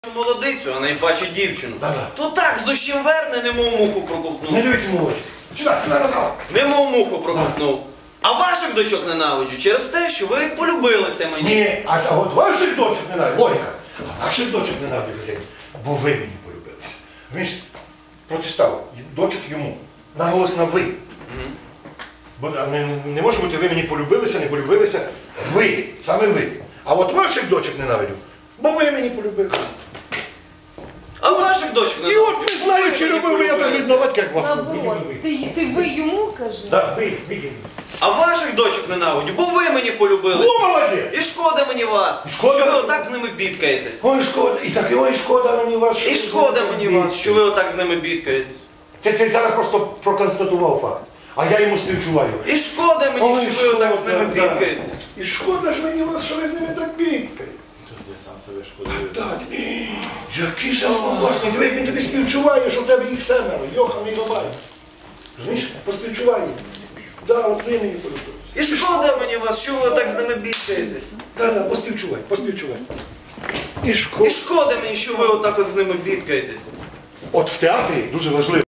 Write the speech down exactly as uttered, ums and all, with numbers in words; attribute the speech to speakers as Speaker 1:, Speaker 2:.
Speaker 1: Молодицю, а найпаче дівчину.
Speaker 2: Да-да.
Speaker 1: То так з дощем верне, немов муху проковтнув.
Speaker 2: Не дивіться мович. Сюди, сюди назад.
Speaker 1: Немов муху проковтнув. А ваших дочок ненавиджу через те, що ви полюбилися мені.
Speaker 2: Ні, а, а от ваших дочок ненавидю. Логіка. А ваших дочок ненавидю, хазяїн. Бо ви мені полюбилися. Він ж протистав дочок йому. Наголос на ви.
Speaker 1: Угу.
Speaker 2: Бо не, не може бути ви мені полюбилися, не полюбилися. Ви. Саме ви. А от ваших дочок ненавидю. Бо ви мені полюбилися.
Speaker 1: А ваших дочок
Speaker 2: І
Speaker 1: ненавиджу.
Speaker 2: от не знаю, чи любив ви, я так відзнавати, як вас.
Speaker 3: Наоборот, ти, ти ви йому кажи.
Speaker 2: Да.
Speaker 4: Ви, видели.
Speaker 1: А ваших дочок ненавиджу, бо ви мені полюбилися.
Speaker 2: О, молодець!
Speaker 1: І шкода мені вас,
Speaker 2: І шкода?
Speaker 1: що ви отак з ними бідкаєтесь.
Speaker 2: Ой, шкода. І так, ой, шкода мені вас.
Speaker 1: І шкода мені вас, що ви отак з ними бідкаєтесь.
Speaker 2: Це ти зараз просто проконстатував факт. А я йому співчуваю.
Speaker 1: І шкода мені,
Speaker 2: Ой,
Speaker 1: що ви отак з ними
Speaker 2: шкода, да.
Speaker 1: бідкаєтесь.
Speaker 2: І шкода ж мені вас, що ви з ними так бідкаєте.
Speaker 4: Я сам себе шкодую.
Speaker 2: Так, який же власне, диви, він тобі співчуває, що в тебе їх семеро, йоханий бабай. Розумієш, поспівчуваю. Да, от ви мені полюбили.
Speaker 1: І шкода мені вас, що ви отак з ними бідкаєтесь.
Speaker 2: Да, да, поспівчувай, поспівчувай. І шкода.
Speaker 1: І шкода мені, що ви отак от з ними бідкаєтесь.
Speaker 2: От в театрі дуже важливо.